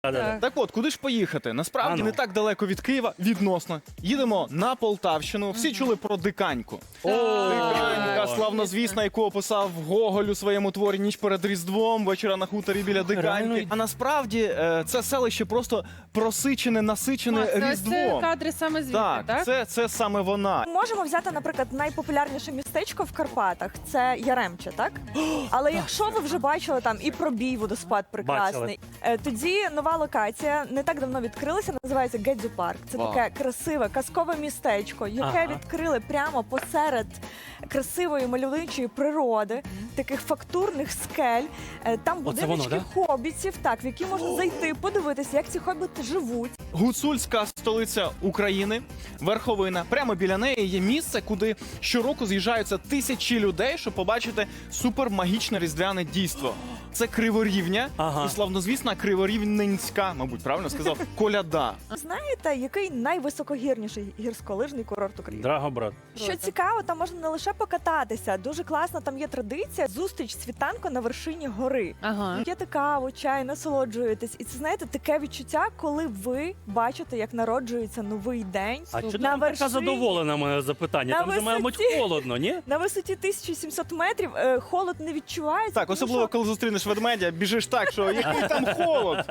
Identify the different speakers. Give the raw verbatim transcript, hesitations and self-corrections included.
Speaker 1: Так.
Speaker 2: Так от, куди ж поїхати? Насправді
Speaker 3: А ну.
Speaker 2: не так далеко від Києва, відносно. Їдемо на Полтавщину. Всі чули про Диканьку. Диканька, славнозвісна, яку описав Гоголь у своєму творі «Ніч перед Різдвом», «Вечора на хуторі біля Диканьки».
Speaker 3: реально?
Speaker 2: А насправді е, це селище просто просичене, насичене
Speaker 1: Це ось це
Speaker 2: Різдвом.
Speaker 1: кадри саме звідти,
Speaker 2: Так,
Speaker 1: так?
Speaker 2: Це, це саме вона.
Speaker 4: Можемо взяти, наприклад, найпопулярніше містечко в Карпатах – це Яремче, так? Але якщо ви вже бачили там і пробій водоспад прекрасний, е, тоді нова локація не так давно відкрилася, називається Гедзю Парк. Це
Speaker 2: Вау.
Speaker 4: таке красиве, казкове містечко, яке
Speaker 3: Ага.
Speaker 4: відкрили прямо посеред красивої мальовничої природи, таких фактурних скель. Е, Там
Speaker 3: Оце воно,
Speaker 4: будиночки хобітів, так, в які можна зайти, подивитися, як ці хобіти живуть.
Speaker 2: Гуцульська столиця України, верховина. Прямо біля неї є місце, куди щороку з'їжджаються тисячі людей, щоб побачити супермагічне різдвяне дійство. Це Криворівня
Speaker 3: Ага.
Speaker 2: і славнозвісна Криворівненська, мабуть, правильно сказав, коляда.
Speaker 4: Знаєте, який найвисокогірніший гірськолижний курорт України?
Speaker 3: Драгобрат.
Speaker 4: Що цікаво, там можна не лише покататися, дуже класна там є традиція зустріч світанку на вершині гори.
Speaker 1: Ага.
Speaker 4: П'єте каву, чай, насолоджуєтесь. І це, знаєте, таке відчуття, коли ви бачите, як народжується новий день.
Speaker 3: А чого ти
Speaker 4: На
Speaker 3: така
Speaker 4: вершині.
Speaker 3: задоволена мене запитання?
Speaker 4: На
Speaker 3: Там же має бути
Speaker 4: висоті.
Speaker 3: холодно, ні?
Speaker 4: На висоті тисяча сімсот метрів е, холод не відчувається.
Speaker 2: Так,
Speaker 4: тому
Speaker 2: особливо
Speaker 4: що
Speaker 2: коли зустрінеш ведмедя, біжиш так, що який там холод.